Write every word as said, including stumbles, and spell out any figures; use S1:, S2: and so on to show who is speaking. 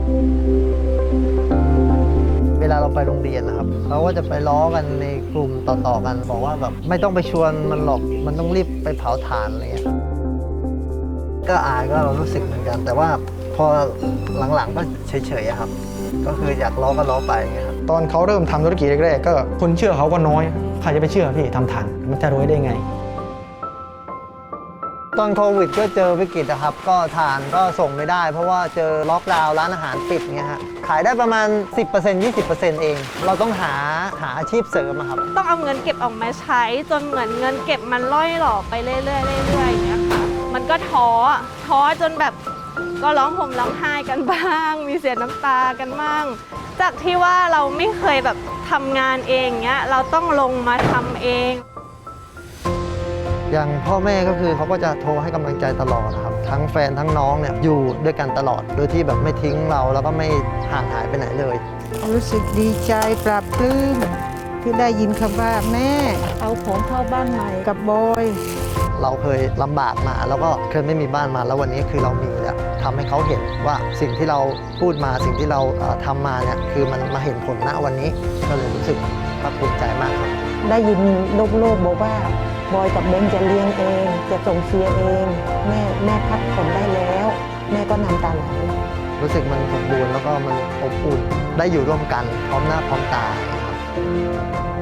S1: เวลาเราไปโรงเรียนนะครับเขาก็จะไปล้อกันในกลุ่มต่อๆกันบอกว่าแบบไม่ต้องไปชวนมันหรอกมันต้องรีบไปเผาถ่านอะไรเงี้ยก็อายก็เรารู้สึกเหมือนกัน แต่ว่าพอหลังๆก็เฉยๆครับก็คืออยากล้อก็ล้อไปไงครับ
S2: ตอนเขาเริ่มทำธุรกิจแรกๆก็คนเชื่อเขาก็น้อยใครจะไปเชื่อพี่ทำถ่านมันจะรวยได้ไง
S1: ตอนโควิดก็เจอวิกฤตนะครับก็ทานก็ส่งไม่ได้ เพราะว่าเจอล็อกดาวน์ร้านอาหารปิดเงี้ยฮะขายได้ประมาณ สิบเปอร์เซ็นต์ ยี่สิบเปอร์เซ็นต์ เองเราต้องหาหาอาชีพเสริมอะครับ
S3: ต้องเอาเงินเก็บออกมาใช้จนเหมือนเงินเก็บมันล่อยหล่อไปเรื่อยๆเรื่อยๆอย่างเงี้ยค่ะมันก็ท้อท้อจนแบบก็ร้องห่มร้องไห้กันบ้างมีเสียน้ำตากันบ้างจากที่ว่าเราไม่เคยแบบทำงานเองเงี้ยเราต้องลงมาทำเอง
S1: อย่างพ่อแม่ก็คือเขาก็จะโทรให้กำลังใจตลอดนะครับทั้งแฟนทั้งน้องเนี่ยอยู่ด้วยกันตลอดโดยที่แบบไม่ทิ้งเราแล้วก็ไม่ห่างหายไปไหนเลย
S4: รู้สึกดีใจปลาบปลื้มที่ได้ยินคำว่าแม่เอาของเข้าบ้านใหม่กับบอย
S1: เราเคยลำบากมาแล้วก็เคยไม่มีบ้านมาแล้ววันนี้คือเรามีแล้วทำให้เขาเห็นว่าสิ่งที่เราพูดมาสิ่งที่เราทำมาเนี่ยคือมันมาเห็นผลณวันนี้ก็เลยรู้สึกภาคภูมิใจมากครับ
S4: ได้ยินโลกๆบอกว่าบอยกับเบนจะเลี้ยงเองจะส่งเสียเองแม่แม่พักผ่อนได้แล้วแม่ก็น้ำตาไหล
S1: รู้สึกมันสมบูรณ์แล้วก็มันอบอุ่นได้อยู่ร่วมกันพร้อมหน้าพร้อมตาครับ